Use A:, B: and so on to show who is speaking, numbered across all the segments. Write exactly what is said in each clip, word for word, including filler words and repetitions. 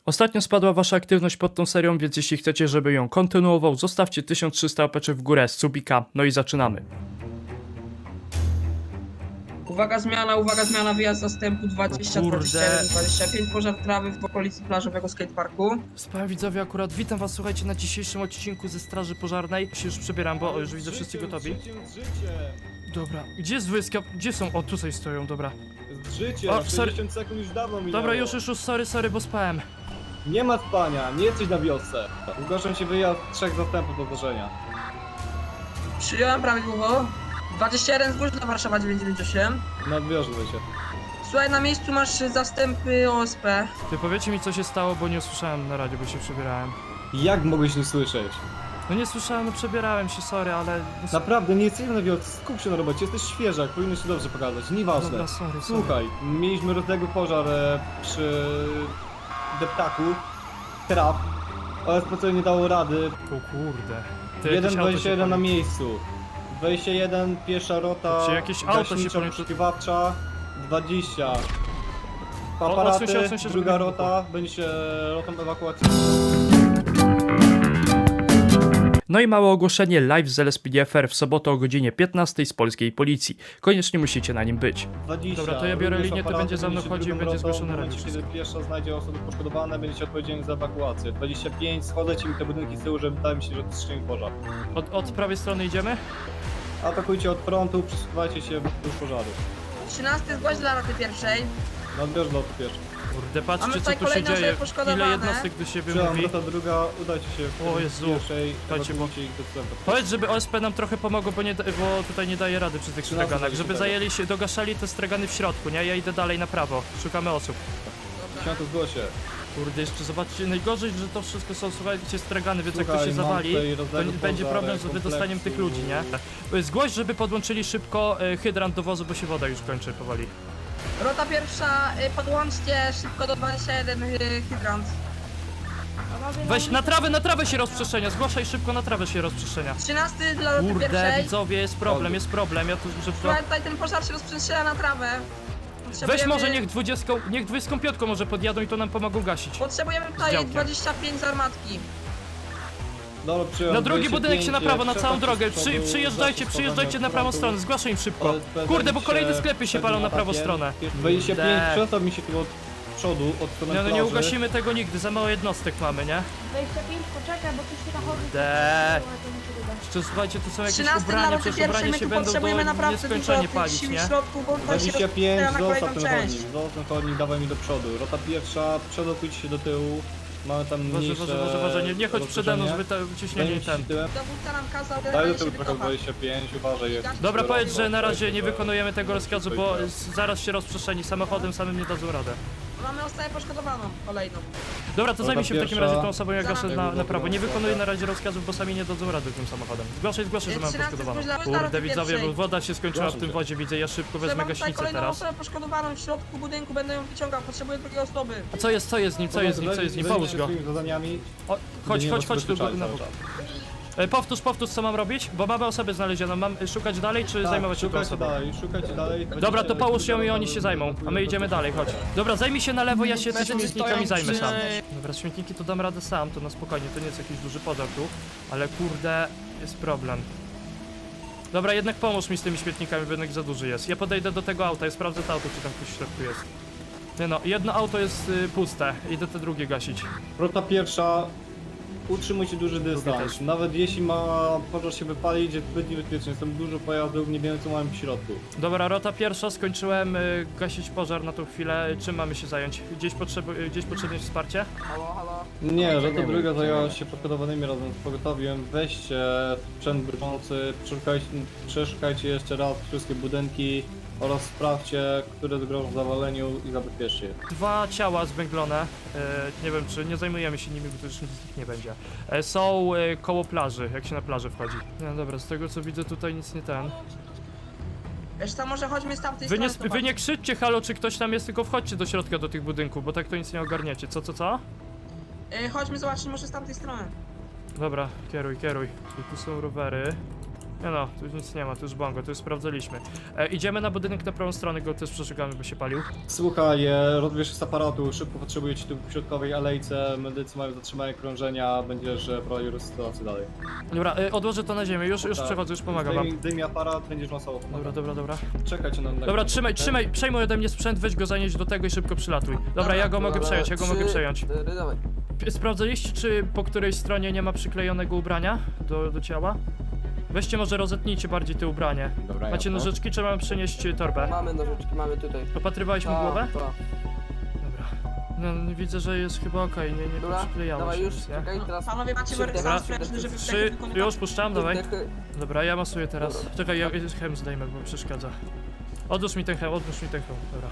A: Ostatnio spadła wasza aktywność pod tą serią, więc jeśli chcecie, żeby ją kontynuował, zostawcie tysiąc trzysta łapeczek w górę z subika, no i zaczynamy.
B: Uwaga zmiana, uwaga zmiana, wyjazd zastępu dwadzieścia,
A: O kurde.
B: dwadzieścia jeden, dwadzieścia pięć, pożar trawy w okolicy plażowego skateparku.
A: Wspaniali widzowie, akurat witam was, słuchajcie, na dzisiejszym odcinku ze Straży Pożarnej. Się już przebieram, bo o, już widzę wszyscy gotowi. Dobra, gdzie jest wojska? Gdzie są? O, tutaj stoją, dobra.
C: Życie,
A: O,
C: o,
A: sorry.
C: sześćdziesiąt sekund już dawno minęło.
A: Dobra, już, już, już, sorry, sorry, bo spałem.
C: Nie ma spania, nie jesteś na wiosce. Zgłaszam się wyjazd trzech zastępów do zdarzenia.
B: Przyjąłem prawidłowo. dwadzieścia jeden zgłoś dla Warszawa dziewięćset dziewięćdziesiąt osiem.
C: Na odbiorze się.
B: Słuchaj, na miejscu masz zastępy O S P.
A: Ty powiecie mi, co się stało, bo nie usłyszałem na radio, bo się przebierałem.
C: Jak mogłeś nie słyszeć?
A: No nie słyszałem, no przebierałem się, sorry, ale...
C: Naprawdę, nie jesteśmy na wiosce, skup się na robocie, jesteś świeżak, powinno się dobrze pokazać, nieważne.
A: Dobra, sorry, sorry.
C: Słuchaj, mieliśmy rozległy pożar e, przy deptaku, traw. O S P C nie dało rady.
A: O kurde. Ty,
C: jeden
A: jakieś auto
C: dwadzieścia
A: się
C: jeden na
A: pali.
C: miejscu. dwadzieścia jeden, pierwsza rota,
A: Czy jakieś auto się
C: gaśnicza
A: pali?
C: poszukiwawcza, dwadzieścia.
A: odsuń
C: Aparaty,
A: się, odsuń się, żeby
C: druga
A: nie
C: rota, będzie rotą ewakuacyjną.
A: No i małe ogłoszenie live z L S P D F R w sobotę o godzinie piętnastej z polskiej policji. Koniecznie musicie na nim być.
C: dwadzieścia.
A: Dobra, to ja biorę
C: Również
A: linię, to
C: aparaty,
A: będzie za mną
C: będziecie
A: chodził i
C: drugą
A: będzie
C: rotą.
A: zgłoszone
C: W momencie,
A: radio.
C: kiedy pierwsza znajdzie osoby poszkodowane, będziecie odpowiedzialni za ewakuację. dwadzieścia pięć, schodzę mi te budynki z tyłu, żeby wydaje mi się, że to strzeli pożar.
A: Od, od prawej strony idziemy?
C: Atakujcie od frontu, przesuwajcie się do pożaru.
B: trzynasty zgłoś dla roty pierwszej.
C: Na odbiorze do lotu pierwszy.
A: Kurde,
B: Mamy
A: patrzcie co
B: tutaj
A: tu się
B: kolejne
A: dzieje.
B: osoby poszkodowane.
A: Ile jednostek do siebie
C: Przyjąłem
A: mówi.
C: rota druga, udajcie się
A: O
C: w
A: Jezu.
C: pierwszej,
A: Dajcie, bo-
C: ewakuujcie ich do centrum.
A: Powiedz, żeby O S P nam trochę pomogło, bo, nie, da- bo tutaj nie daje rady przy tych
C: Trzynasty
A: straganach.
C: zajdzie
A: Żeby
C: tego.
A: zajęli się, dogaszali te stragany w środku, nie? Ja idę dalej na prawo. Szukamy osób.
C: Dziesiąty zgłosie.
A: Kurde, jeszcze zobaczcie, najgorzej, że to wszystko są, słuchajcie, stragany, więc jak to
C: Słuchaj,
A: się
C: mam
A: zawali,
C: tutaj
A: to
C: rozległy
A: nie- będzie
C: pożar,
A: problem z wydostaniem tych ludzi, nie? Zgłoś, żeby podłączyli szybko e, hydrant do wozu, bo się woda już kończy powoli.
B: Rota pierwsza, y, podłączcie szybko do dwadzieścia jeden y, hydrant.
A: Weź, na trawę, na trawę się rozprzestrzenia, zgłaszaj szybko, na trawę się rozprzestrzenia.
B: trzynasty dla roty
A: Kurde,
B: pierwszej.
A: widzowie, jest problem, jest problem, ja tu szybko...
B: Słuchaj, tutaj ten pożar się rozprzestrzenia na trawę.
A: Weź
B: Potrzebujemy-
A: może niech dwudziestką, niech dwudziestką piątką może podjadą i to nam pomogą gasić.
B: Potrzebujemy tutaj
A: działkiem.
B: dwadzieścia pięć z armatki.
C: Dobra, przyjąłem
A: Na drugi
C: dwadzieścia
A: budynek się
C: pięć,
A: na prawo, na
C: trzeba
A: całą
C: się
A: drogę.
C: z
A: Przy,
C: przodu
A: przyjeżdżajcie,
C: zastosować
A: przyjeżdżajcie na
C: od
A: prawą
C: frontu.
A: stronę, zgłaszaj im szybko.
C: O S P
A: Kurde, bo
C: zajmie
A: kolejne
C: się
A: sklepy się
C: przed
A: palą na prawą
C: atakiem.
A: stronę.
C: dwadzieścia pięć,
A: Kurde.
C: przestaw mi się tu od przodu, od strony
A: Nie, no nie
C: plaży.
A: ugasimy tego nigdy, za mało jednostek mamy, nie?
D: dwadzieścia pięć, poczekaj, bo tu się nachodzi.
A: De.
D: To muszę dodać.
A: Jeszcze słuchajcie, tu są jakieś
B: trzynasty dla
A: ubrania,
B: roty
A: przecież
B: pierwszej,
A: ubrania
B: my
A: się
B: tu
A: będą
B: potrzebujemy
A: do
B: naprawdę dużo
A: nieskończenie
B: tych
A: palić,
B: sił
A: nie?
B: w środku, bo tutaj się
C: dwadzieścia pięć,
B: rozpoczyna na
C: zostaw
B: kolejną
C: ten
B: część.
C: chodnik, zostaw ten chodnik, dawaj mi do przodu. Rota pierwsza, przedokujcie się do tyłu. Mamy tam
A: Boże,
C: mniejsze
A: Boże, Boże, Boże, nie, nie chodź przede mną, żeby
C: rozszerzenie.
A: to ciśnienie i
C: Zajmijcie
A: ten.
C: się tyłem.
B: Dowódca nam kazał
C: Daj do
B: generalnie się
C: tyłu trochę
B: wycofać.
C: dwadzieścia pięć, uważaj jest.
A: Dobra, powiedz, że na razie
C: Dajcie,
A: nie
C: że-
A: wykonujemy tego rozkazu, bo z- zaraz się rozprzestrzeni samochodem, samym nie dadzą radę.
B: Mamy osobę poszkodowaną, kolejną.
A: Dobra, to
C: Rota
A: zajmij się w takim
C: pierwsza.
A: razie tą osobą, jak gaszę na, na prawo. Nie
C: Dobra.
A: wykonuję na razie rozkazów, bo sami nie dadzą rady tym samochodem. Zgłaszaj, zgłaszaj, że mam
B: trzynasty
A: poszkodowaną.
B: zgłoś dla
A: Kurde,
B: roty
A: widzowie, bo
B: pierwszej.
A: woda się skończyła w
C: Zgłaszam
A: tym
C: się.
A: wodzie, widzę, ja szybko wezmę
B: Mam tutaj
A: gaśnicę
B: kolejną
A: teraz.
B: osobę poszkodowaną w środku budynku, będę ją wyciągał, potrzebuję drugiej osoby.
A: A co jest, co jest z nim, co jest z nim, co jest z nim?
C: Zajmij
A: Połóż
C: się
A: go.
C: swoimi zadaniami.
A: O, chodź,
C: Nie
A: chodź, chodź tu
C: rozbezpieczaj
A: na
C: cały
A: bok.
C: czas.
A: E, Powtórz, powtórz, co mam robić, bo mamy osobę znalezioną. Mam e, szukać dalej, czy
C: Tak,
A: zajmować się tą
C: szukajcie
A: osobą?
C: dalej, szukajcie dalej.
A: Dobra, to połóż ją i oni się zajmą, a my idziemy dalej, chodź. Dobra, zajmij się na lewo, ja się tymi śmietnikami zajmę sam. Dobra, śmietniki to dam radę sam, to na spokojnie, to nie jest jakiś duży pożar tu, ale kurde, jest problem. Dobra, jednak pomóż mi z tymi śmietnikami, bo jednak za duży jest. Ja podejdę do tego auta, ja sprawdzę to auto, czy tam ktoś w środku jest. Nie no, jedno auto jest y, puste, idę te drugie gasić.
C: Rota pierwsza, utrzymujcie duży dystans.
A: też.
C: Nawet jeśli ma pożar się wypalić, jest zbyt niebezpiecznie. Jest tam dużo pojazdów, nie wiemy co mamy w środku.
A: Dobra, rota pierwsza, skończyłem y, gasić pożar na tą chwilę. Czym mamy się zająć? Gdzieś, potrzebu y, gdzieś potrzebne jest wsparcie?
C: Nie, rota druga zajęła się poszkodowanymi razem z pogotowiem. Weźcie sprzęt broniący, przeszukajcie, przeszukajcie jeszcze raz wszystkie budynki oraz sprawdźcie, które grożą zawaleniu i zabezpieczcie je.
A: Dwa ciała zwęglone, y, nie wiem czy nie zajmujemy się nimi, bo to już nic z nich nie będzie. E, są y, koło plaży, jak się na plażę wchodzi. No dobra, z tego co widzę tutaj nic nie ten.
B: Wiesz co, może chodźmy z tamtej
A: Wy nie,
B: strony.
A: wy nie krzyczcie halo, czy ktoś tam jest, tylko wchodźcie do środka do tych budynków, bo tak to nic nie ogarniecie. Co, co, co?
B: Y, chodźmy zobaczyć może z tamtej strony.
A: Dobra, kieruj, kieruj. I tu są rowery. Nie no, tu nic nie ma, tu już bongo, tu już sprawdzaliśmy. E, idziemy na budynek na prawą stronę, go też przeszukamy, by się palił.
C: Słuchaj, e, rozbierz się z aparatu, szybko potrzebuję ci tu w środkowej alejce, medycy mają zatrzymanie krążenia, będziesz e, prowadził sytuację dalej.
A: Dobra, e, odłożę to na ziemię, już, już
C: Tak.
A: przechodzę, już pomagam wam.
C: Zdejmij, zdejmij aparat, będziesz masowo
A: Dobra,
C: pomagał.
A: dobra, dobra.
C: Czekajcie na... na
A: Dobra, trzymaj, trzymaj, przejmuj ode mnie sprzęt, weź go zanieść do tego i szybko przylatuj. Dobra, ja go mogę przejąć, ja go mogę przejąć.
E: Dawaj.
A: P- Sprawdzaliście, czy po której stronie nie ma przyklejonego ubrania do, do ciała? Weźcie może rozetnijcie bardziej te ubranie.
F: Dobra,
A: Macie
F: jasno.
A: nożyczki, czy mam przynieść torbę?
E: Mamy nożyczki, mamy tutaj.
A: Opatrywałeś mu
E: Ta,
A: głowę?
E: ta.
A: Dobra. No, no widzę, że jest chyba okej, nie, nie
E: Dobra,
A: przyklejało
E: dawaj
A: się
E: już,
A: nic, nie?
E: czekaj, teraz...
B: Panowie macie
E: Trzy
B: wersję
A: Dobra.
B: sprężny, żeby
A: Trzy,
B: wdechy
A: już puszczam, dawaj.
E: Wdechy.
A: Dobra, ja masuję teraz. Czekaj, ja chem zdejmę, bo mi przeszkadza. Odłóż mi ten chem, odłóż mi ten chem, dobra.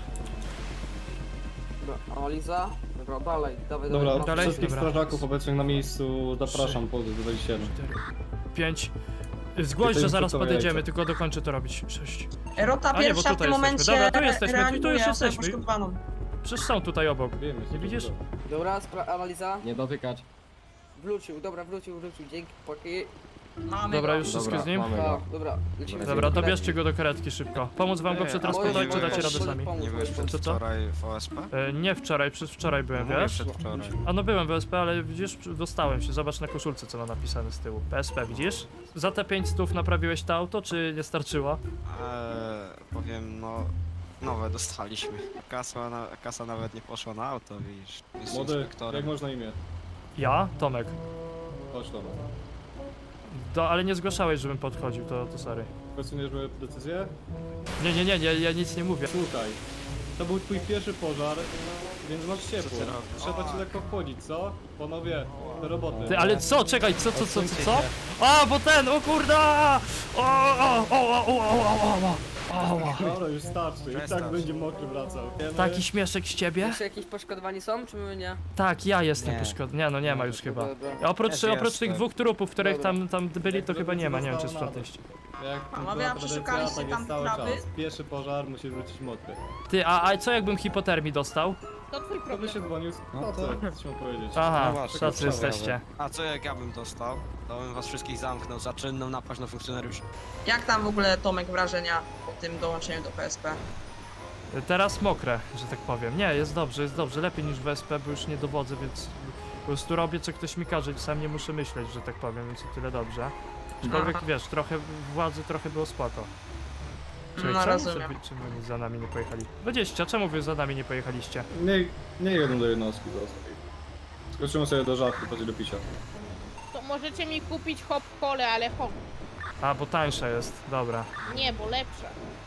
E: Dobra, analiza. Dobra, dalej, dawaj,
C: Dobra,
E: dawaj.
A: dalej?
C: wszystkich
A: Dobra.
C: strażaków obecnych na miejscu zapraszam po dwadzieścia jeden.
A: cztery, pięć. Zgłoś,
C: Tutaj
A: że zaraz
C: gotowe
A: podejdziemy,
C: jajce.
A: tylko dokończę to robić. sześć.
B: Rota
A: A nie, bo
B: pierwsza w
A: tutaj
B: tym
A: jesteśmy.
B: momencie
A: Dobra, tu jesteśmy, tu- tu już
B: reanimuje osobę
A: jesteśmy.
B: poszkodowaną.
A: Przecież są tutaj obok.
C: Wiemy,
A: Nie widzisz?
E: Dobra, spra- analiza.
F: Nie dotykać.
E: Wrócił, dobra, wrócił, wrócił, dzięki, paki.
B: Mamy
A: Dobra,
B: go.
A: już wszystko
F: Dobra,
A: z nim?
F: mamy
E: Tak,
F: go.
E: dobra, lecimy.
A: Dobra, dobierzcie go do karetki szybko. Pomóc wam go
C: Nie,
A: przetransportować,
E: a
A: czy
E: może-
A: dacie
E: może
A: radę sami?
E: pomóc,
G: Nie byłeś
E: może
G: przed
A: Co, co?
G: wczoraj w O S P?
A: E, nie wczoraj, przez wczoraj byłem,
G: Mówię
A: wiesz?
G: przedwczoraj.
A: A no byłem w O S P, ale widzisz, dostałem się, zobacz na koszulce co ma napisane z tyłu. P S P, widzisz? Za te pięć stów naprawiłeś to auto, czy nie starczyło?
G: Eee, powiem, no... Nowe dostaliśmy. Kasa, na, kasa nawet nie poszła na auto, widzisz. Jest
C: Młody,
G: inspektorem.
C: jak można imię?
A: Ja? Tomek.
C: Chodź Tomek.
A: Do, ale nie zgłaszałeś, żebym podchodził, to, to sorry.
C: Kwestionujesz moją decyzję?
A: Nie, nie, nie, nie, ja nic nie mówię.
C: Słuchaj, to był twój pierwszy pożar, więc masz ciepło.
G: ty robisz?
C: Trzeba ci lekko wchodzić, co? Panowie, do roboty.
A: Ty, ale co? Czekaj, co, co, co, co, co? A, bo ten, o kurde! O, o, o, o, o, o, o, o, o.
C: Dobra, już starczy, i tak
G: Przestań.
C: będzie mokry wracał.
A: Taki śmieszek z ciebie?
E: Jeszcze jakieś poszkodowani są, czy my nie?
A: Tak, ja jestem
G: Nie.
A: poszkodowany. Nie, no nie ma już chyba.
E: Dobra.
A: A oprócz,
G: Też
A: oprócz
G: jestem.
A: tych dwóch trupów, których
E: Dobra.
A: tam, tam byli, to
C: Jak
A: chyba nie ma, nie wiem czy
C: zostało na
A: sprzątaliście.
C: Jak
B: Panowie,
C: była
B: a
C: tradycja,
B: przeszukaliście
C: tak
B: tam
C: jest cały
B: trawy?
C: czas. Pierwszy pożar musi wrócić mokry.
A: Ty, a, a co jakbym hipotermii dostał?
D: To twój
C: Kto by
D: problem.
C: się dzwonił?
F: No
C: No
F: to-
C: co? Co ci mam powiedzieć?
A: Aha,
G: No właśnie,
A: tacy
G: trzeba
A: jesteście.
G: A co jak ja bym dostał? To bym was wszystkich zamknął za czynną napaść na funkcjonariuszy.
B: Jak tam w ogóle Tomek wrażenia po tym dołączeniu do P S P?
A: Teraz mokre, że tak powiem. Nie, jest dobrze, jest dobrze. Lepiej niż w S P, bo już nie dowodzę, więc po prostu robię co ktoś mi każe i sam nie muszę myśleć, że tak powiem, więc o tyle dobrze. Aczkolwiek
B: Aha.
A: wiesz, trochę władzy trochę było spoko. Czekaj,
B: No,
A: czemu,
B: rozumiem.
A: sobie- czemu oni za nami nie pojechali? dwadzieścia, czemu wy za nami nie pojechaliście?
C: Nie, nie jeden do jednostki zostawił. Skoczymy sobie do żartu, chodzi do picia.
D: To możecie mi kupić hop kole, ale hop.
A: A, bo tańsza jest, dobra.
D: Nie, bo lepsza.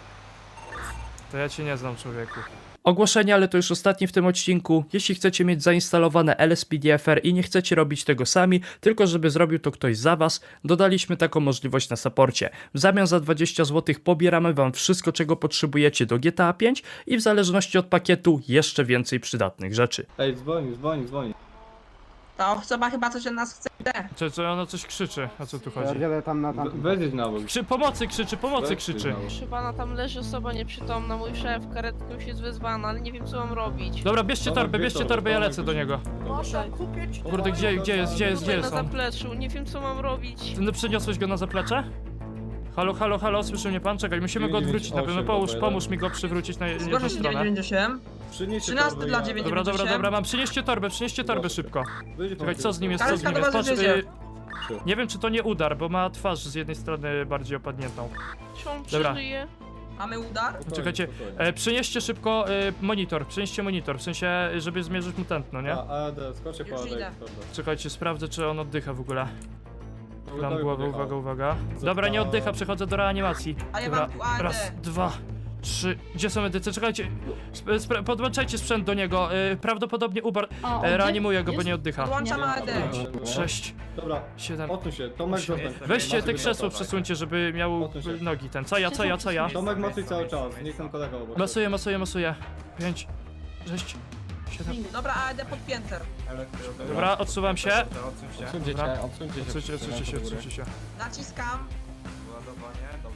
A: To ja cię nie znam, człowieku. Ogłoszenie, ale to już ostatnie w tym odcinku. Jeśli chcecie mieć zainstalowane L S P D F R i nie chcecie robić tego sami, tylko żeby zrobił to ktoś za was, dodaliśmy taką możliwość na saporcie. W zamian za dwadzieścia złotych pobieramy wam wszystko, czego potrzebujecie do G T A pięć i w zależności od pakietu jeszcze więcej przydatnych rzeczy.
C: Ej, dzwoni, dzwoni, dzwoni.
B: Ta osoba chyba coś od nas chce.
A: Czy, czy ono coś krzyczy? O co tu chodzi?
F: Pierdzielę tam na
C: We-
F: tamtym.
C: Weź na bok.
A: Krzy pomocy krzyczy, pomocy
C: Weź
A: krzyczy.
C: na bok.
H: Proszę pana, tam leży osoba nieprzytomna, mój szef, karetką już jest wezwana, ale nie wiem co mam robić.
A: Dobra, bierzcie
C: Dobra,
A: torbę,
C: bierz
A: bierzcie
C: torbę,
A: torbę, ja
C: dawaj,
A: lecę do
C: bierz.
A: niego.
D: Może kupić
A: Kurde, gdzie, gdzie jest, gdzie jest, gdzie
H: Tutaj
A: jest
H: na
A: on?
H: zapleczu, nie wiem co mam robić.
A: No, przyniosłeś go na zaplecze? Halo, halo, halo, słyszy mnie pan? Czekaj, musimy go odwrócić na pewno. Pomóż, pomóż mi go przywrócić na jedną
B: Zgłoszę się
A: stronę.
B: dziewięć dziewięć osiem.
C: Przynieście
B: trzynasty
C: torbę,
B: dla
C: ja-
B: dziewięć-
A: Dobra, dobra,
B: dziewięćdziesiąt.
A: dobra, mam. Przynieście torbę, przynieście torbę szybko.
C: Wyjdzie pan
A: Czekaj, co z nim jest, co z
B: Karetka
A: nim
B: do
A: jest?
B: was
A: Patrz,
B: wiezie.
A: y, nie wiem czy to nie udar, bo ma twarz z jednej strony bardziej opadniętą.
H: Czy on
A: Dobra.
H: przeżyje?
B: Mamy udar?
C: Spokojnie,
A: Czekajcie,
C: spokojnie.
A: E, przynieście szybko e, monitor, przynieście monitor, w sensie, żeby zmierzyć mu tętno, nie?
C: A, A E D, skoczę po
B: Już
C: A D.
B: idę.
C: torbę.
A: Czekajcie, sprawdzę czy on oddycha w ogóle. Dam
C: Gotowy
A: głowę,
C: podjechał.
A: uwaga, uwaga. Dobra, nie oddycha, przechodzę do reanimacji.
B: A ja
A: Dobra,
B: mam tu A E D.
A: raz, dwa, trzy. Gdzie są medycy? Czekajcie, sp- spra- podłączajcie sprzęt do niego. E, prawdopodobnie ubar... E, reanimuję go, bo nie oddycha.
B: Podłączam A E D.
A: Sześć,
C: Dobra,
A: siedem.
C: odsuń się. Tomek,
A: Osiem.
C: zostań.
A: Weźcie
C: Macie
A: te
C: być
A: krzesło
C: gotowe.
A: przesuńcie, żeby miał
C: Odsuń się.
A: nogi ten. Co ja, co ja, co ja?
C: Tomek, masuj cały czas, niech ten kolega obok.
A: Masuję, masuję, masuję. Pięć, sześć, siedem.
B: Dobra, A E D podpięte.
A: Dobra, odsuwam się.
F: Odsuńcie
A: Dobra.
F: się, odsuńcie się.
A: Odsuńcie, odsuńcie się, odsuńcie się.
B: Naciskam.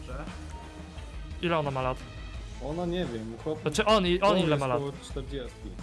A: Ile ona ma lat?
C: Ona nie wiem, chłop...
A: Znaczy on, i- on ile ma lat?
C: około czterdzieści.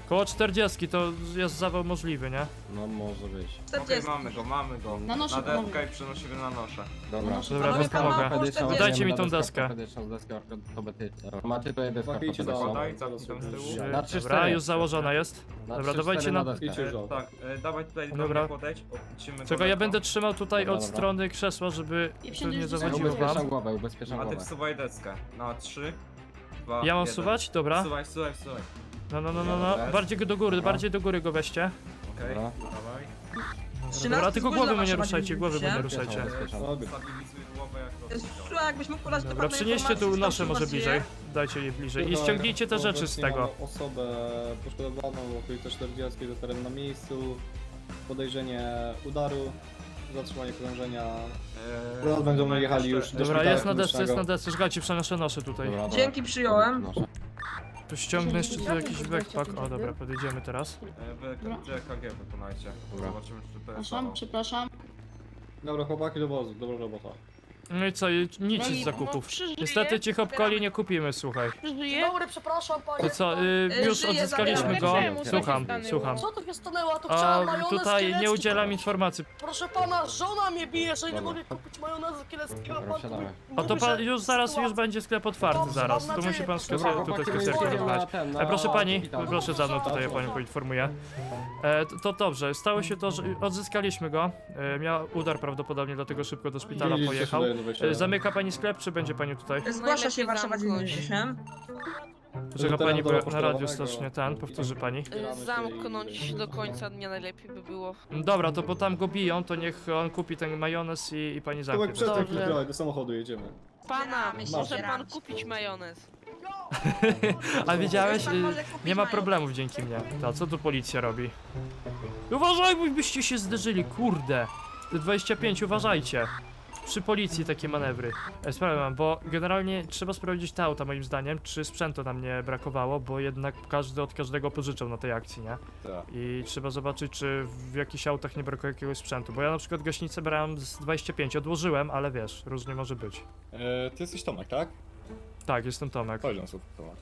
A: Koło czterdziestki to jest zawał możliwy, nie?
F: No może być.
B: czterdzieści.
I: mamy go, mamy go.
J: Na nosze
I: Na
J: panowie.
I: deskę i przenosimy na noszę.
F: Dobra.
A: Dobra,
B: Panowie,
A: to
B: pan ma
A: pomogę.
B: około czterdzieści.
A: Dajcie mi tą deskę.
F: Ortopedyczną deskę ortopedyczną. Macie tutaj deskę
C: Chłopaki, idźcie za
F: ortopedyczną.
C: mną.
I: Podaj, cofnij tam z tyłu.
F: Na trzy,
A: Dobra,
F: cztery.
A: już założona jest.
F: Na
A: Dobra,
F: trzy,
A: dawajcie
F: cztery
A: na-
F: deskę.
C: Idźcie
I: E,
C: żoł.
I: tak, e, dawaj tutaj do
A: Dobra.
I: mnie podejdź. Odcimy
A: Czego
I: go
A: ja
I: lekko.
A: będę trzymał tutaj
F: Dobra,
A: od
F: dobra.
A: strony krzesła, żeby
J: I
A: to
J: wsiądziesz
A: nie
J: do samochodu.
A: zawodziło
F: Ubezpieczam
A: wam.
F: głowę, ubezpieczam
I: A ty
F: głowę.
I: wsuwaj deskę. Na trzy, dwa,
A: Ja mam
I: jeden.
A: suwać? Dobra.
I: Wsuwaj, wsuwaj, wsuwaj.
A: No, no, no, no, no. Bardziej go do góry, bardziej do góry go weźcie.
I: Okej,
F: Dobra.
I: dawaj.
A: Dobra, tylko głowy mu nie
B: Wzgórza
A: ruszajcie, głowy mu nie
B: Ubezpieczam.
A: ruszajcie.
F: Ubezpieczam.
C: Mogę.
I: Stabilizuj głowę jak rozwinął.
B: Słuchaj, jakbyś mógł podać
A: Dobra,
B: dokładne
A: przynieście tu
B: informacje,
A: noszę
B: skąd
A: może
B: was
A: bliżej.
B: żyje.
A: Dajcie je bliżej. I
C: Tutaj
A: ściągnijcie te rzeczy z
C: obecnie
A: tego.
C: mamy osobę poszkodowaną w okolicy czterdziestki do teren na miejscu. Podejrzenie udaru, zatrzymanie krążenia.
I: Eee,
C: Teraz będą jechali
I: jeszcze-
C: już do
A: Dobra,
C: szpitala
A: jest na desce, jest
C: klinicznego.
A: na desce. Czekajcie, przenoszę noszę tutaj.
F: Dobra, dobra.
B: Dzięki, przyjąłem.
F: Noszę.
A: Tu ściągnę jeszcze tu jakiś backpack. O, dobra, podejdziemy teraz.
I: E, wy E K G wykonajcie.
F: Dobra.
I: Zobaczymy czy to jest
J: Przepraszam,
I: zawał.
J: przepraszam.
C: Dobra, chłopaki do wozu, dobra robota.
A: No i co, i nic z
H: No,
A: zakupów.
H: przeżyje,
A: Niestety ci hopkoli nie kupimy, słuchaj.
H: przeżyje.
J: Dobry, przepraszam panie.
A: To co, y,
B: E,
A: już
B: żyję,
A: odzyskaliśmy
B: zabieram.
A: go.
D: Czemu? Co się
A: Słucham,
D: stanęło?
A: słucham.
J: Co to się stanęło? To
A: A
J: chciałam majonez
A: tutaj nie
J: kielecki
A: udzielam
J: kupić.
A: informacji.
J: Proszę pana, żona mnie bije, że nie
F: Dobra.
J: mogę kupić majonezu kieleckiego.
F: Dobra,
J: Pan
F: wsiadamy.
A: A to
J: mówi,
A: pan
J: że
A: już zaraz, już
J: sytuacja-
A: będzie sklep otwarty
J: Dobrze,
A: zaraz.
J: mam
A: To musi
J: nadzieję.
A: pan sklepie,
F: Dobra,
A: tutaj
F: chłopaki, my
A: sklepierkę
F: jedziemy na
A: wybrać.
F: ten, na
A: E, proszę pani,
F: szpital.
A: proszę za mną, tutaj ja panią poinformuję. E, to, to dobrze, stało się to, że odzyskaliśmy go. E, miał udar prawdopodobnie, dlatego szybko do szpitala
C: Widzicie,
A: pojechał.
C: tutaj do wejścia.
A: E, zamyka pani sklep, czy będzie pani tutaj?
B: Zgłasza się
H: Najlepiej
B: Warszawa
H: zamknąć.
B: dziewięćdziesiąt osiem.
A: Czeka
C: Teraz
A: pani,
C: do
A: bo na radiu
C: poszkodowanego.
A: strasznie ten, powtórzy pani.
C: Zbieramy się
H: Zamknąć
C: i-
H: do końca dnia najlepiej by było.
A: Dobra, to bo tam go biją, to niech on kupi ten majonez i, i pani zamknie.
C: Tomek, przestań
H: Dobrze.
C: kilka, do samochodu jedziemy.
H: Pana,
B: Zbieramy się,
H: może pan
B: zbieramy się.
H: kupić majonez.
A: A widziałeś?
B: Pan
A: Y,
B: może kupić
A: Nie ma
B: majonez.
A: problemów dzięki mnie. To co tu policja robi? Uważaj, bo byście się zderzyli, kurde. Te dwadzieścia pięć, uważajcie. Przy policji takie manewry. E, Sprawę mam, bo generalnie trzeba sprawdzić te auta moim zdaniem, czy sprzętu nam nie brakowało, bo jednak każdy od każdego pożyczał na tej akcji, nie?
C: Tak.
A: I trzeba zobaczyć, czy w jakichś autach nie brakuje jakiegoś sprzętu, bo ja na przykład gaśnicę brałem z dwadzieścia pięć, odłożyłem, ale wiesz, różnie może być.
C: E, ty jesteś Tomek, tak?
A: Tak, jestem Tomek.
C: Chodź na słów, Tomek.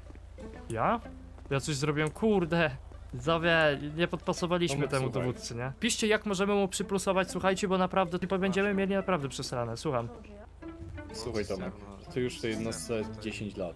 A: Ja? Ja coś zrobiłem, kurde. Zowie, nie podpasowaliśmy
C: Tomek,
A: temu
C: słuchaj.
A: dowódcy, nie? Piszcie, jak możemy mu przyplusować, słuchajcie, bo naprawdę, tylko będziemy mieli naprawdę przesrane, słucham.
C: Słuchaj Tomek, ty już w tej jednostce dziesięć lat.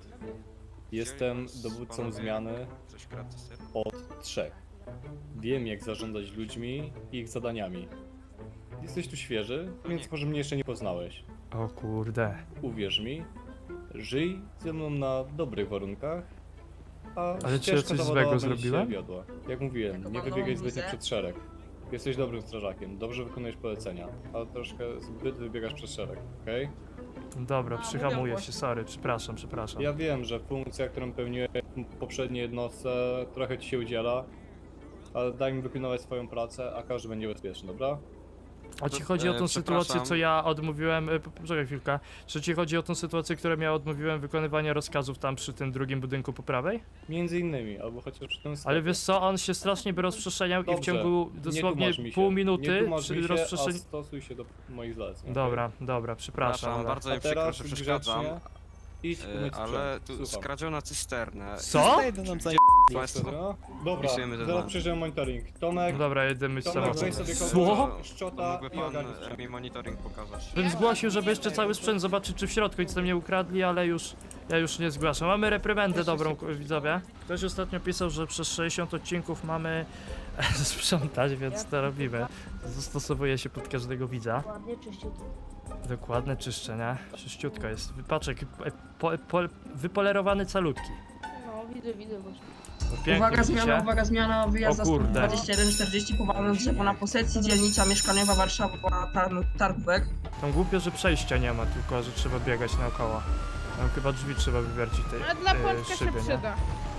C: Jestem dowódcą zmiany
G: Coś gratis, ser?
C: od trzech. Wiem jak zarządzać ludźmi i ich zadaniami. Jesteś tu świeży, więc może mnie jeszcze nie poznałeś.
A: O kurde.
C: Uwierz mi, żyj ze mną na dobrych warunkach, a
A: Ale czy ja
C: ścieżka
A: coś
C: zawodowa
A: złego
C: będzie
A: zrobiłem?
C: się wiodła. Jak mówiłem, nie wybiegaj zbytnio przed szereg. Jesteś dobrym strażakiem, dobrze wykonujesz polecenia, ale troszkę zbyt wybiegasz przed szereg, okej?
A: Dobra, przyhamuję się, sorry, przepraszam, przepraszam.
C: Ja wiem, że funkcja, którą pełniłem w poprzedniej jednostce, trochę ci się udziela, ale daj mi wykonywać swoją pracę, a każdy będzie bezpieczny, dobra?
A: A ci chodzi o tą
G: E,
A: sytuację,
G: przepraszam.
A: co ja odmówiłem, e, poczekaj chwilkę, czy ci chodzi o tą sytuację, którą ja odmówiłem wykonywania rozkazów tam przy tym drugim budynku po prawej?
C: Między innymi, albo chociaż przy tym sklepie.
A: Ale wiesz co, on się strasznie by rozprzestrzeniał i w
C: Dobrze,
A: ciągu
C: nie
A: dosłownie
C: tłumacz mi się,
A: pół
C: nie
A: minuty
C: tłumacz
A: przy
C: mi się,
A: rozprzestrzeni...
C: a stosuj się do moich zaleceń. okej?
A: Dobra, dobra, przepraszam.
G: Przepraszam,
A: ale-
G: bardzo
C: A
G: mi przykro,
C: teraz
G: że przeszkadzam.
C: grzecznie idź
G: e,
C: umyć
G: Ale
C: sprzęt.
G: tu
C: Słucham.
G: skradziono cysternę.
A: Co?
G: Państwo.
C: No, dobra,
G: Wpisujemy do
C: zaraz
G: nas.
C: przyjdziemy monitoring. Tomek,
A: Dobra, jedziemy z
C: Tomek, weź
A: samochodem.
C: sobie
A: Co?
C: kogoś,
G: To
C: szczota
G: mógłby
C: i
G: pan
C: ogarnij
G: e,
C: sprzęt.
G: mi monitoring pokazać.
A: Bym zgłosił, żeby jeszcze cały sprzęt zobaczyć, czy w środku nic tam nie ukradli, ale już... Ja już nie zgłaszam. Mamy reprymendę dobrą, k- widzowie. Ktoś ostatnio pisał, że przez sześćdziesiąt odcinków mamy sprzątać, więc to robimy. Zastosowuje się pod każdego widza.
J: Ładnie, czyściutko.
A: Dokładne czyszczenie. Czyściutko jest. Wypaczek, e, po, po, wypolerowany calutki.
J: No, widzę, widzę właśnie.
A: No, pięknie
B: Uwaga
A: widzicie?
B: zmiana, uwaga zmiana, wyjazd
A: O
B: za
A: kurde.
B: dwadzieścia jeden czterdzieści powalone drzewo na posesji, dzielnica mieszkaniowa Warszawa, Tar- Targówek.
A: Tam głupio, że przejścia nie ma, tylko że trzeba biegać naokoło. Tam chyba drzwi trzeba wywiercić tej
D: A dla
A: e,
D: Polska się
A: szyby, nie?
D: przyda.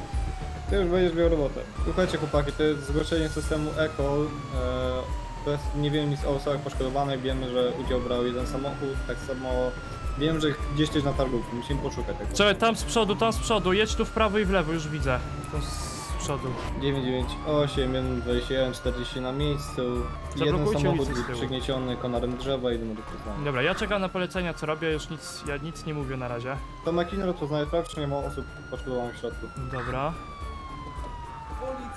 C: Ty już będziesz miał robotę. Słuchajcie chłopaki, to jest zgłoszenie systemu ECOL. E, to jest, nie wiem nic o osobach poszkodowanych, wiemy, że udział brał jeden samochód, tak samo wiem, że gdzieś coś na targówku, musimy poszukać tego.
A: Czekaj, tam z przodu, tam z przodu, jedź tu w prawo i w lewo, już widzę. Tam z przodu.
C: dziewięć dziewięć osiem, jeden dwadzieścia jeden czterdzieści na miejscu, jeden
A: Zablokujcie
C: samochód
A: ulicę z tyłu.
C: przygnieciony konarem drzewa, jeden do rozpoznania.
A: Dobra, ja czekam na polecenia, co robię, już nic, ja nic nie mówię na razie.
C: To makiny rozpoznaje sprawdź, czy nie ma osób poszkodowanych w środku.
A: Dobra.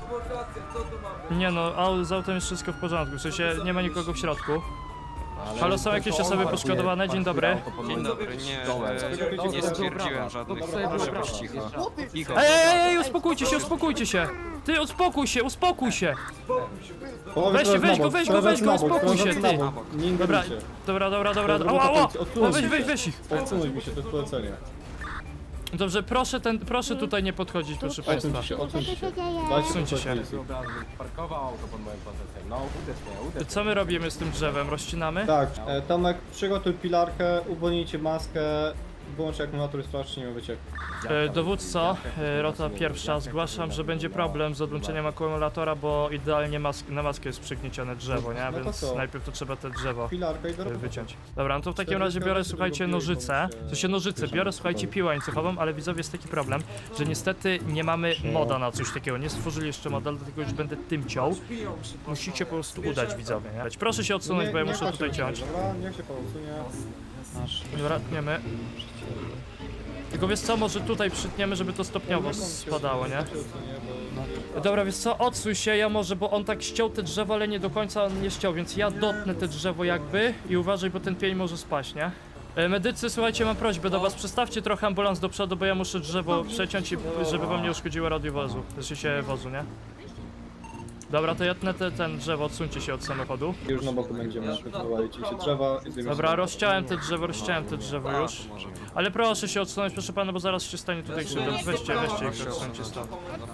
A: Nie no, au- z autem jest wszystko w porządku, w sensie nie ma nikogo w środku. Halo, są jakieś osoby poszkodowane? Dzień dobry.
G: Dzień dobry, nie, e, nie stwierdziłem żadnych, proszę być cicho. Cicho.
A: Ej, ej, ej, uspokójcie się, uspokójcie się! Ty, uspokój się, uspokój się!
C: Połowy
A: Weź-
C: teraz
A: weź
C: na
A: go,
C: bok,
A: weź go,
C: teraz
A: weź go,
C: na bok,
A: uspokój
C: teraz
A: się,
C: na
A: ty.
C: bok. Nie
A: Dobra,
C: ingerujcie.
A: dobra, dobra, dobra,
C: Dobra,
A: ała, ała!
C: odsuńcie
A: O, weź,
C: się.
A: weź, weź ich!
C: Odsunąć mi się, to jest polecenie.
A: Dobrze, proszę ten, proszę tutaj nie podchodzić, proszę państwa.
C: Odsuńcie się, odsuńcie się. Dajcie
A: Odsuńcie
C: spokój.
A: się.
F: Parkował auto pod moim procesem. No, uderz mnie, uderz
A: Co my robimy z tym drzewem? Rozcinamy?
C: Tak, e, Tomek, przygotuj pilarkę, uwolnijcie maskę, wyłącz akumulator i sprawdź, czy nie ma wycieku.
A: E, Dowódco, e, rota pierwsza, zgłaszam, że będzie problem z odłączeniem akumulatora, bo idealnie mask na maskę jest przygniecione drzewo, nie?
C: No to
A: Więc
C: co?
A: najpierw to trzeba te drzewo
C: Pilarkę i do
A: e,
C: roboty.
A: wyciąć. Dobra, no to w takim razie biorę, słuchajcie, nożyce. To się nożyce, biorę, słuchajcie, piłę łańcuchową, ale widzowie jest taki problem, że niestety nie mamy moda na coś takiego. Nie stworzyli jeszcze moda, dlatego już będę tym ciął. Musicie po prostu udać, widzowie, nie? Proszę się odsunąć, bo ja
C: Nie- nie
A: muszę
C: patrzcie
A: tutaj
C: na
A: ciąć.
C: siebie, Dobra, niech się pan odsunie.
A: Dobra, tniemy. Tylko wiesz co, może tutaj przytniemy, żeby to stopniowo spadało, nie? Dobra, wiesz co, odsuń się, ja może, bo on tak ściął te drzewo, ale nie do końca on nie ściął, więc ja dotnę te drzewo jakby i uważaj, bo ten pień może spaść, nie? E, Medycy, słuchajcie, mam prośbę do was, przestawcie trochę ambulans do przodu, bo ja muszę drzewo przeciąć, i, żeby wam nie uszkodziło radiowozu, znaczy się wozu, nie? Dobra, to ja tnę te, ten drzewo, odsuńcie się od samochodu.
C: Już na boku będziemy próbowali ci się drzewa i zdejmiemy
A: Dobra,
C: się.
A: rozciąłem te drzewo, rozciąłem te drzewo już. Ale proszę się odsunąć, proszę pana, bo zaraz się stanie tutaj krzywda. Weźcie, weźcie ich, odsuńcie stąd.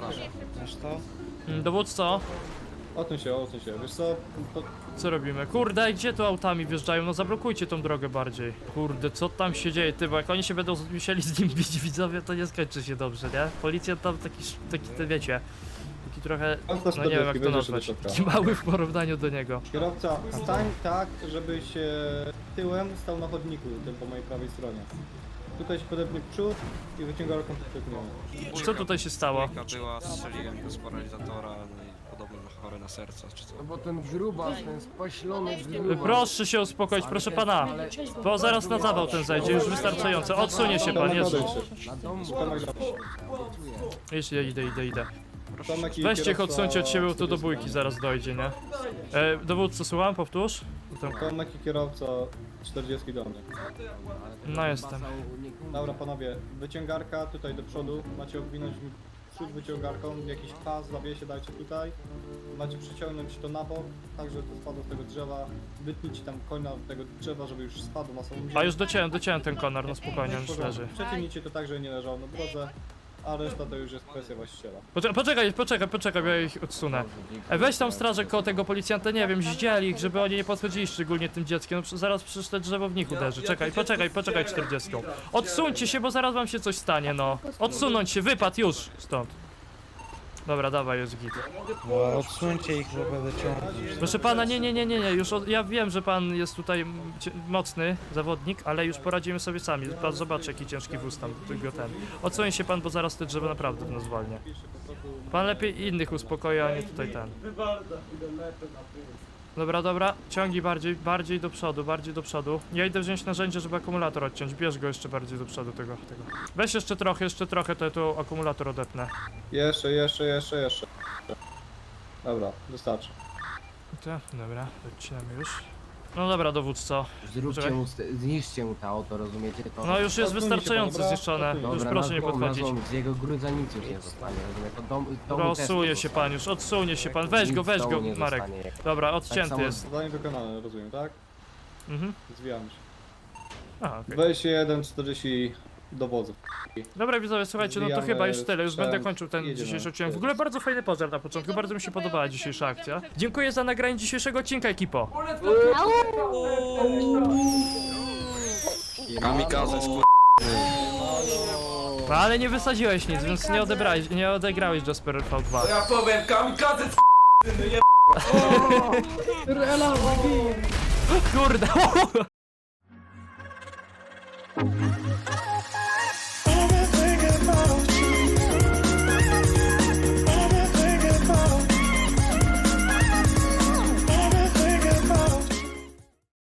A: Mm, Dowódco,
C: Odsuń się, odsuń się. Wiesz co, to
A: co robimy? Kurde, gdzie tu autami wjeżdżają? No zablokujcie tą drogę bardziej. Kurde, co tam się dzieje, ty, bo jak oni się będą musieli z nim bić, widzowie, to nie skończy się dobrze, nie? Policja tam taki, taki, te wiecie, taki trochę, no nie wiem jak to nazwać, taki mały w porównaniu do niego.
C: kierowca, stań tak, żebyś e, tyłem stał na chodniku, tym po mojej prawej stronie. Tutaj się podepnie przód i wyciąga ręką podepniemy.
A: Co tutaj się stało?
G: Dwójka była, strzeliłem go z paralizatora, no i podobno na chory na serce, czy co.
F: No bo ten grubas, ten spaślony
A: Proszę się uspokoić, proszę pana, bo zaraz na zawał ten zajdzie, już wystarczająco. Odsunie się pan, Jezu.
C: Tomek,
A: Jeśli idę, idę, idę.
C: Tomek i
A: Weźcie ich
C: kierowca-
A: odsuńcie od siebie, bo to do bójki zaraz dojdzie, nie? E, dowódco, słucham, powtórz? To-
C: Tomek i kierowca czterdzieści do mnie.
A: No jestem.
C: Dobra panowie, wyciągarka tutaj do przodu, macie obwinąć przód wyciągarką, jakiś pas, zawiesie dajcie tutaj, macie przyciągnąć to na bok, tak żeby to spadło z tego drzewa, wytnijcie tam konia od tego drzewa, żeby już spadł na samą ziemię.
A: A już dociąłem, dociąłem ten konar, no spokojnie, on już leży.
C: Przeciągnijcie to tak, żeby nie leżał na drodze, a reszta to już jest kwestia właściciela.
A: Poczekaj, poczekaj, poczekaj, poczekaj, bo ja ich odsunę. E, weź tam strażę koło tego policjanta, nie wiem, zdzieli ich, żeby oni nie podchodzili, szczególnie tym dzieckiem. No, przy- zaraz przecież te drzewo w nich uderzy. Czekaj, poczekaj, poczekaj czterdziestką. Odsuńcie się, bo zaraz wam się coś stanie, no. Odsunąć się, wypad już stąd. Dobra, dawaj, jest git.
K: Odsuńcie ich, bo będę ciągnąć.
A: Proszę pana, nie, nie, nie, nie, nie, już od, ja wiem, że pan jest tutaj m, cie- mocny zawodnik, ale już poradzimy sobie sami. Pan zobaczy, jaki ciężki wóz tam, tylko ten. Odsuń się pan, bo zaraz te drzewo naprawdę w nas zwalnia. Pan lepiej innych uspokoi, a nie tutaj ten. Dobra, dobra, ciągnij bardziej, bardziej do przodu, bardziej do przodu. Ja idę wziąć narzędzie, żeby akumulator odciąć. Bierz go jeszcze bardziej do przodu tego, tego. Weź jeszcze trochę, jeszcze trochę, to ja tu akumulator odetnę.
C: Jeszcze, jeszcze, jeszcze, jeszcze. Dobra, wystarczy.
A: To, dobra, odcinamy już. No dobra, dowódco.
F: Zróbcie
A: Poczekaj.
F: mu, ste- zniszczcie mu to auto, rozumiecie? To...
A: No już jest
C: Odsuńcie się,
A: wystarczająco
C: dobra?
A: zniszczone.
C: Odsuńcie.
A: Już
F: Dobra,
A: proszę
F: na
A: nie
F: złom, na
A: podchodzić.
F: złom, z jego grudza nic już nie zostanie, rozumie? To dom, domu też
A: Odsunie
F: nie
A: się
F: zostanie.
A: pan już, odsunie się pan. Weź go,
F: Nic
A: weź
F: z
A: go,
F: domu nie
A: Marek.
F: zostanie.
A: Dobra,
F: Tak
A: odcięty
F: samo-
A: jest.
C: Zadanie wykonane, rozumiem, tak?
A: Mhm.
C: Zwijamy się.
A: A, okej.
C: dwadzieścia jeden czterdzieści dowozów.
A: Dobra widzowie, słuchajcie, no to
C: Zwijamy
A: chyba już tyle, już
C: sprzęt,
A: będę kończył ten
C: jedziemy.
A: dzisiejszy odcinek. W ogóle bardzo fajny pożar na początku, bardzo mi się podobała dzisiejsza akcja. Dziękuję za nagranie dzisiejszego odcinka, ekipo.
G: Kamikaze, skur...
A: No, ale nie wysadziłeś nic, więc nie odebrałeś, nie odegrałeś Jasper V dwa.
I: Ja powiem, kamikadze
A: Kurde.